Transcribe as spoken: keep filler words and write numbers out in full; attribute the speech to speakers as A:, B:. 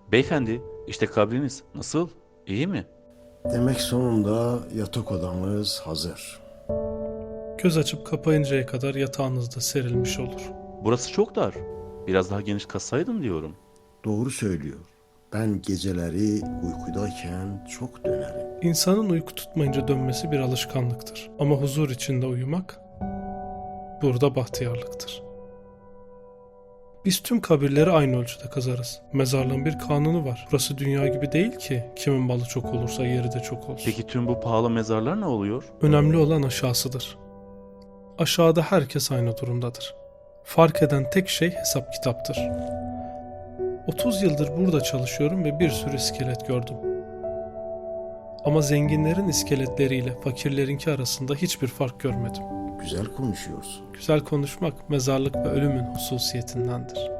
A: Beyefendi, işte kabriniz. Nasıl? İyi mi?
B: Demek sonunda yatak odamız hazır.
C: Göz açıp kapayıncaya kadar yatağınızda serilmiş olur.
A: Burası çok dar. Biraz daha geniş katsaydın diyorum.
B: Doğru söylüyor. Ben geceleri uykudayken çok dönerim.
C: İnsanın uyku tutmayınca dönmesi bir alışkanlıktır. Ama huzur içinde uyumak burada bahtiyarlıktır. Biz tüm kabirleri aynı ölçüde kazarız. Mezarlığın bir kanunu var. Burası dünya gibi değil ki kimin malı çok olursa yeri de çok olsun.
A: Peki tüm bu pahalı mezarlar ne oluyor?
C: Önemli olan aşağısıdır. Aşağıda herkes aynı durumdadır. Fark eden tek şey hesap kitaptır. otuz yıldır burada çalışıyorum ve bir sürü iskelet gördüm. Ama zenginlerin iskeletleriyle fakirlerinki arasında hiçbir fark görmedim.
B: Güzel konuşuyorsun.
C: Güzel konuşmak mezarlık ve ölümün hususiyetindendir.